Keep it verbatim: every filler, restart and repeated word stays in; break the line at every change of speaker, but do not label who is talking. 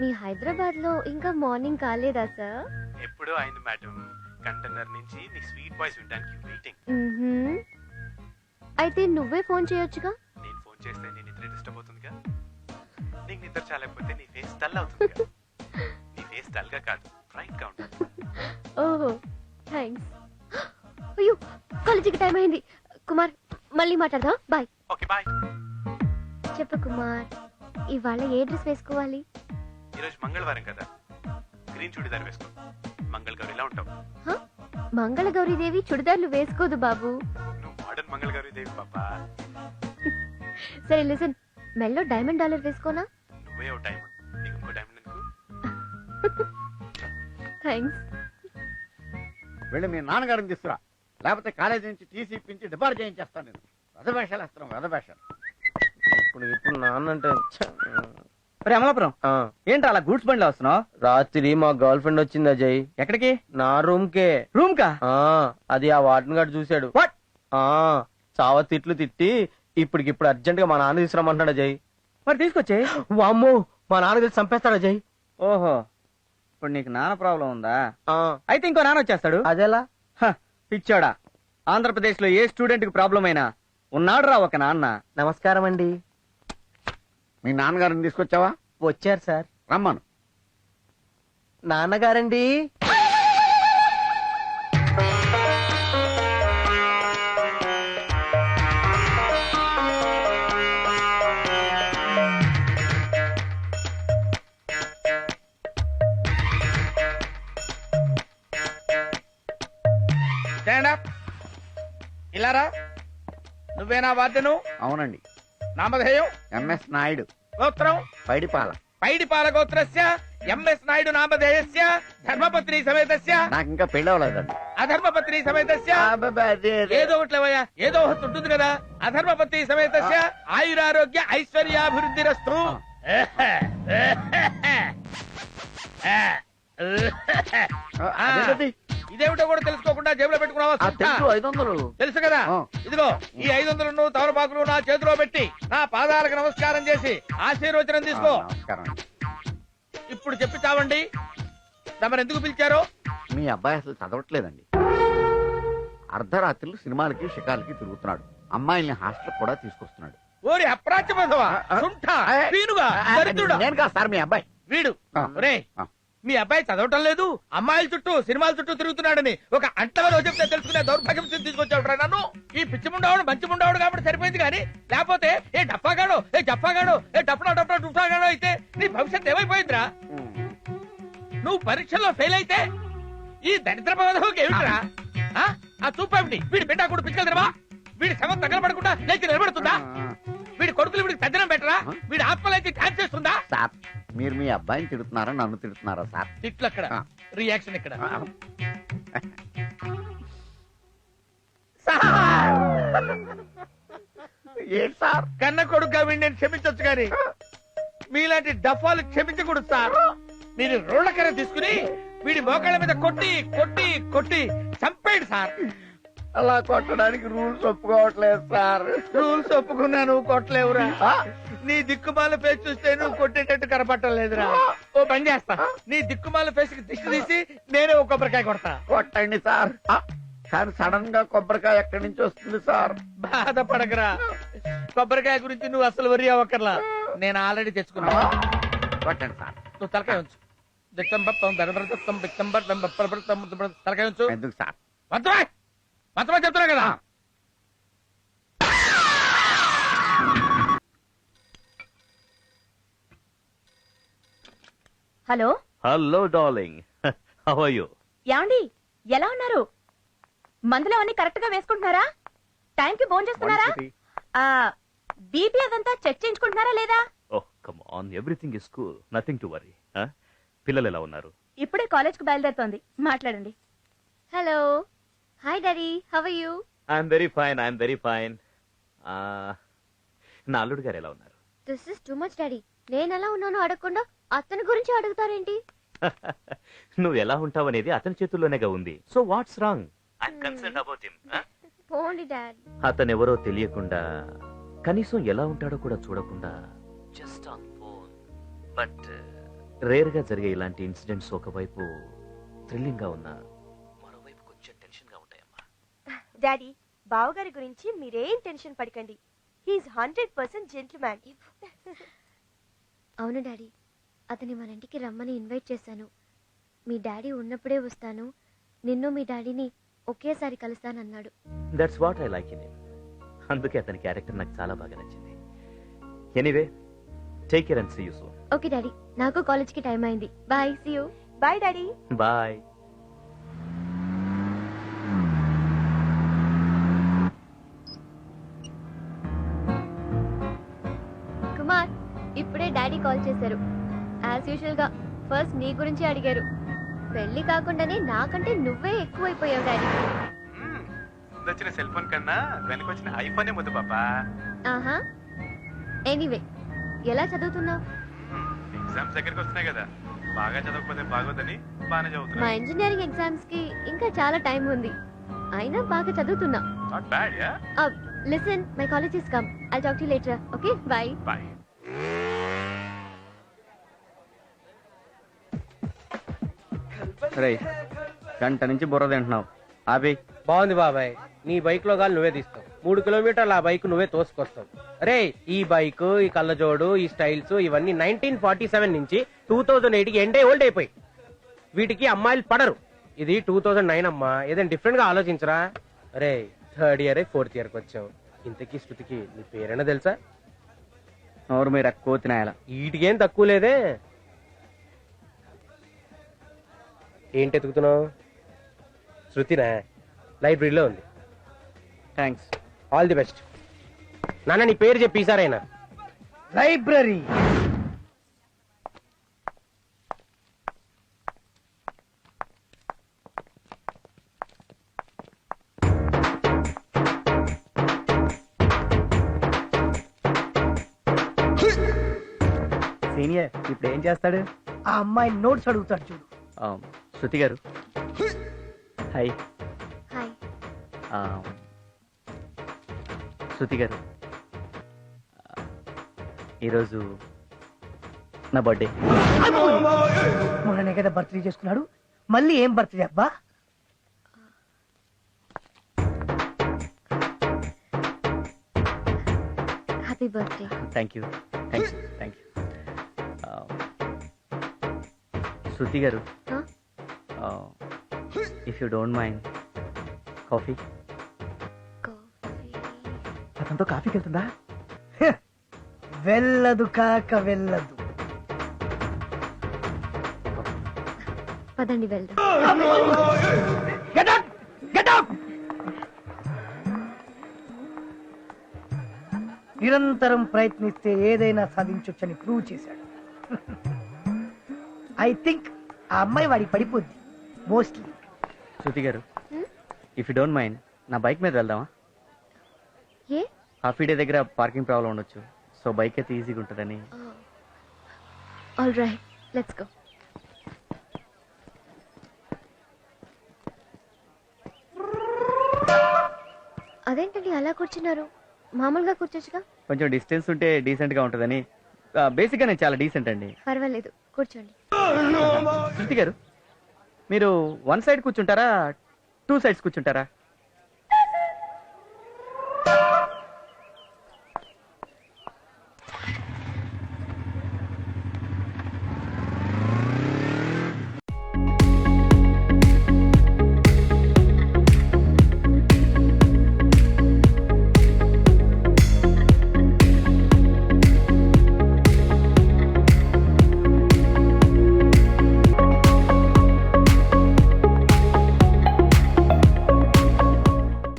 మీ హైదరాబాద్ లో ఇంకా మార్నింగ్ కాలేదా సార్?
ఎప్పుడో అయింది మేడం. కంటైనర్ నుంచి నీ స్వీట్ వాయిస్ వినడానికి వెయిటింగ్.
అయితే నువ్వే ఫోన్ చేయొచ్చుగా.
నేను ఫోన్ చేస్తే నీ నిద్ర డిస్టర్బ్ అవుతుందిగా. నీకు నిద్ర చాలకపోతే నీ ఫేస్ డల్ అవుతుందిగా. నీ ఫేస్ డల్ గా కాదు, బ్రైట్ గా ఉంటుంది.
ఓహో థ్యాంక్స్. అయ్యో కాలేజీకి టైం అయింది. కుమార్ మళ్ళీ మాట్లాడదాం. బాయ్.
Okay bye.
చెప్పు కుమార్, ఇవాళ ఏ డ్రెస్ వేసుకోవాలి?
ఈరోజు మంగళవారం కదా, గ్రీన్ చుడిదార్ వేసుకో. మంగళగౌరిలా ఉంటావు.
మంగళగౌరీ దేవి చుడిదార్లు వేసుకోదు బాబు.
నువ్వు మోడర్న్ మంగళగౌరి దేవి పాపా.
సరే లిసన్, మెల్లో డైమండ్ డాలర్ వేసుకోనా?
నువ్వే ఓ డైమండ్, నీకు ఇంకో డైమండ్ ఎందుకు?
థ్యాంక్స్.
వెళ్ళి మీ నాన్నగారిని తీసుకురా, లేకపోతే కాలేజీ నుంచి టీసీ ఇప్పించి డిపార్ట్ చేయించేస్తాను. నేను రథభేషాలు వేస్తున్నాం, రథభేషాలు.
ఇప్పుడు ఇప్పుడు నాన్న అంటే
అమలాపురం ఏంట్రా అలా గూడ్స్ బండిలో వస్తున్నావు?
రాత్రి మా గర్ల్ ఫ్రెండ్ వచ్చింది అజయ్.
ఎక్కడికి?
నా రూమ్ కే.
రూమ్ కా?
అది ఆ వార్డెన్ గారు చూశాడు. చావ తిట్లు తిట్టి ఇప్పటికిప్పుడు అర్జెంట్ గా మా నాన్న తీసుకురమ్మంటున్నాడు అజయ్.
మరి తీసుకొచ్చే.
వామ్మో, మా నాన్న తెలిసి చంపేస్తాడు అజయ్.
ఓహో, ఇప్పుడు నీకు నాన్న ప్రాబ్లం ఉందా? అయితే ఇంకో నాన్న వచ్చేస్తాడు.
అదేలా?
పిచ్చోడా, ఆంధ్రప్రదేశ్ లో ఏ స్టూడెంట్ కి ప్రాబ్లం అయినా ఉన్నాడు రా ఒక నాన్న.
నమస్కారం అండి.
మీ నాన్నగారిని తీసుకొచ్చావా?
వచ్చారు సార్.
రమ్మను.
నాన్నగారండి.
ఇలారా, నువ్వేనా వాద్యను?
అవునండి.
నామధేయం?
ఎంఎస్ నాయుడు.
గోత్రం?
పైడిపాల.
పైడిపాల గోత్రస్య ఎంఎస్ నాయుడు నామధేయస్య ధర్మపత్ని సమేతస్య.
నాకు ఇంకా పెళ్లి అవ్వలేదండి.
అధర్మపత్ని సమేతస్య. ఏదో ఒకట్లేవయ్యా, ఏదో ఒకటి ఉంటుంది కదా. అధర్మపత్ని సమేతస్య ఆయురారోగ్య ఐశ్వర్యాభివృద్ధిరస్తు. ఇదేమిటో కూడా తెలుసుకోకుండా జేబులో పెట్టుకున్నావా?
ఐదు వందలు
తెలుసు కదా. ఇదిగో ఈ ఐదు వందలను తమలపాకులు నా చేతిలో పెట్టి నా పాదాలకు నమస్కారం చేసి ఆశీర్వచనం తీసుకో. ఇప్పుడు చెప్పి చావండి, తమరు ఎందుకు పిలిచారో.
మీ అబ్బాయి అసలు చదవట్లేదండి. అర్ధరాత్రులు సినిమాలకి షికార్లకి తిరుగుతున్నాడు. అమ్మాయిల్ని హాస్టల్ కూడా తీసుకొస్తున్నాడు.
ఓరి అప్రాచ్యమధవా, సుంఠా, పీనుగా, దరిద్రుడా.
నేను కాదు సార్, మీ అబ్బాయి.
వీడు రే, మీ అబ్బాయి చదవటం లేదు, అమ్మాయిల చుట్టూ సినిమాల చుట్టూ తిరుగుతున్నాడని ఒక అంటవలో చెప్తే తెలుసుకునే దౌర్భాగ్యం తీసుకొచ్చాడు నన్ను. ఈ పిచ్చి ముండావుడు మంచి ముండావుడు కాబట్టి సరిపోయింది, కానీ లేకపోతే ఏ డప్పాగాడో ఏ జప్పాగాడో ఏ డప్పనా డప్పనా డుప్పాగాడో అయితే నీ భవిష్యత్ ఏమైపోయిందిరా. నువ్వు పరీక్షల్లో ఫెయిల్ అయితే ఈ దరిద్ర పదవికి ఏమిట్రా? ఆ చూపేమిటి? వీడి బిడ్డ కూడా పిచ్చలు తినవా? వీడి శవం తగలబడకుండా లేచి నిలబడుతుందా? వీడి కొడుకులు వీడికి పెద్దనం పెట్టరా? వీడి ఆత్మలైతే ఛాన్స్ చేస్తుందా?
సార్, మీరు మీ అబ్బాయిని తిడుతున్నారా నన్ను తిడుతున్నారా సార్?
తిట్లు అక్కడ, రియాక్షన్ ఇక్కడ.
ఏంటి సార్?
కన్న కొడుకుగా వీడిని నేను క్షమించొచ్చు కానీ మీలాంటి డఫాలు క్షమించకూడదు సార్. మీరు రోళ్లకర తీసుకుని వీడి మోకాళ్ళ మీద కొట్టి కొట్టి కొట్టి చంపేయండి సార్.
అలా కొట్టడానికి రూల్స్ ఒప్పుకోవట్లేదు సార్.
రూల్స్ ఒప్పుకున్నా నువ్వు కొట్టలేవురా. నీ దిక్కుమాల ఫేస్ చూస్తే నువ్వు కొట్టేటట్టు కనపట్టలేదురా. ఓ పని చేస్తా, నీ దిక్కుమాల ఫేస్ కి దిష్టి తీసి నేనే ఒక కొబ్బరికాయ కొడతా.
కొట్టండి సార్. కానీ సడన్ గా కొబ్బరికాయ ఎక్కడి నుంచి వస్తుంది సార్?
బాధపడకరా, కొబ్బరికాయ గురించి నువ్వు అసలు వరి అవ్వకర్లా, నేను ఆల్రెడీ తెచ్చుకున్నా.
కొట్టండి సార్.
నువ్వు తలకాయ ఉంచు. తలకాయ ఉంచు.
ఎందుకు సార్?
మంత్రమా మంత్రమా చెప్తున్నా కదా.
Hello.
Hello darling, how are you?
యాండి ఎలా ఉన్నారు? మందులు అన్ని కరెక్ట్ గా వేసుకుంటున్నారా? టైం కి భోజనం చేస్తున్నారా? బీపీ అదంతా చెక్ చేయించుకుంటున్నారా లేదా?
Oh come on, everything is cool, nothing to worry. పిల్లలు ఎలా ఉన్నారు?
ఇప్పుడే కాలేజ్ కు బయలుదేరుతోంది, మాట్లాడండి. Hello. Hi daddy, how are you?
I'm very fine, I'm very fine. నా అల్లుడు గారు ఎలా ఉన్నారు?
This is too much daddy. నేను ఎలా ఉన్నానో అడగకుండా అతని గురించి అడుగుతారేంటి?
నువ్వు ఎలా ఉంటావు అనేది అతని చేతుల్లోనేగా ఉంది. So what's wrong? I'm concerned about him.
పోండి డాడ్.
అతను ఎవరో తెలియకుండా, కనీసం ఎలా ఉంటాడో కూడా చూడకుండా, just on phone. But rare గా జరిగే ఇలాంటి ఇన్సిడెంట్స్ ఒకవైపు థ్రిల్లింగ్ గా ఉన్నా మరోవైపు కొంచెం టెన్షన్ గా ఉంటాయమ్మా.
డాడీ బావగారి గురించి మీరేం టెన్షన్ పడకండి. He is hundred percent gentleman.
అవును డాడీ, అతని మన ఇంటికి రమ్మని ఇన్వైట్ చేశాను. మీ డాడీ ఉన్నప్పుడే వస్తాను, నిన్ను మీ డాడీని ఒకేసారి కలుస్తానన్నాడు.
That's what I like in him. అందుకే అతని క్యారెక్టర్ నాకు చాలా బాగా నచ్చింది. Anyway, take care and see you soon.
Okay daddy, నాకు కాలేజ్కి టైం అయింది. Bye, see you.
Bye daddy.
Bye.
Kumar, ఇప్పుడే డాడీ కాల్ చేశారు. యాజ్ యూజువల్ గా ఫస్ట్ నీ గురించి అడిగారు. పెళ్లి కాకుండానే నాకంటే నువ్వే ఎక్కువైపోయావు డాడీ.
వచ్చిన సెల్ ఫోన్ కన్నా వెనకొచ్చిన ఐఫోనే ముద్దు పాపా.
ఆహా, ఎనీవే ఎలా చదువుతున్నావు?
ఎగ్జామ్స్ దగ్గరికి వస్తున్నాయి కదా, బాగా చదవకపోతే బాగోదని బాగానే
మా
చదువుతున్నా.
ఇంజనీరింగ్ ఎగ్జామ్స్ కి ఇంకా చాలా టైం ఉంది, అయినా బాగా చదువుతున్నా.
Not bad ya.
Listen, my college is come. I'll talk to you later. Okay, bye.
Bye.
రే, గంట నుంచి బుర్ర తింటున్నావు. ఆపి.
బాగుంది బాబాయ్, నీ బైక్ లో గాలి నువ్వే తీస్తావు. మూడు కిలోమీటర్ల ఆ బైక్ నువ్వే తోసుకొస్తావు. రే, ఈ బైక్, ఈ కళ్ళజోడు, ఈ స్టైల్స్ ఇవన్నీ నైన్టీన్ ఫార్టీ సెవెన్ నుంచి టూ థౌజండ్ ఎయిట్ కి ఎండే ఓల్డ్ అయిపోయి. వీటికి అమ్మాయిలు పడరు. ఇది టూ థౌజండ్ నైన్ అమ్మా, ఏదైనా డిఫరెంట్ గా ఆలోచించరా. రే, థర్డ్ ఇయర్ ఫోర్త్ ఇయర్ కి వచ్చావు. ఇంతకీ శృతికి నీ పేరైనా తెలుసా?
ఎవరు మీరు ఎక్కువ తినాయాల?
వీటికేం తక్కువ లేదే. ఏంటి ఎతుకుతున్నావు? శృతినా? లైబ్రరీలో ఉంది.
థ్యాంక్స్.
All the best. నాన్న, నీ పేరు చెప్పి ఈసారైనా. లైబ్రరీ.
సీనియర్ ఇప్పుడు ఏం చేస్తాడు?
ఆ అమ్మాయి నోట్స్ అడుగుతాడు చూడు.
ఆ, శృతి గారు. హాయ్.
హాయ్.
ఆ, శృతి గారు, ఆ, ఈరోజు నా బర్త్డే.
మొన్ననే కదా బర్త్డే చేసుకున్నాడు, మళ్ళీ ఏం బర్త్డే అబ్బా?
Happy birthday.
Thank you thank you thank you. Shruti గారు,
Huh?
If you don't mind, coffee.
అతనితో కాఫీకి వెళ్తుందా? వెళ్ళదు కాక వెళ్ళదు.
పదండి వెళ్దాం.
Get up! Get up! నిరంతరం ప్రయత్నిస్తే ఏదైనా సాధించొచ్చని ప్రూవ్ చేశాడు. ఐ థింక్ ఆ అమ్మాయి వాడికి పడిపోద్ది మోస్ట్లీ.
శృతి గారు, ఇఫ్ యూ డోంట్ మైండ్, నా బైక్ మీద వెళ్దామా?
ఏ?
హాఫీ డే దగ్గర పార్కింగ్ ప్రాబ్లం ఉండొచ్చు, సో బైక్ అయితే ఈజీగా ఉంటుందని.
All right, let's go. అదేంటండి అలా కూర్చున్నారు? మామూలుగా కూర్చోచ్చుగా.
కొంచెం డిస్టెన్స్ ఉంటే డీసెంట్ గా ఉంటుందని. బేసిక్ గా నేను చాలా డీసెంట్ అండి.
పర్వాలేదు, కూర్చోండి.
శృతి గారు, మీరు వన్ సైడ్ కూర్చుంటారా, టూ సైడ్స్ కూర్చుంటారా?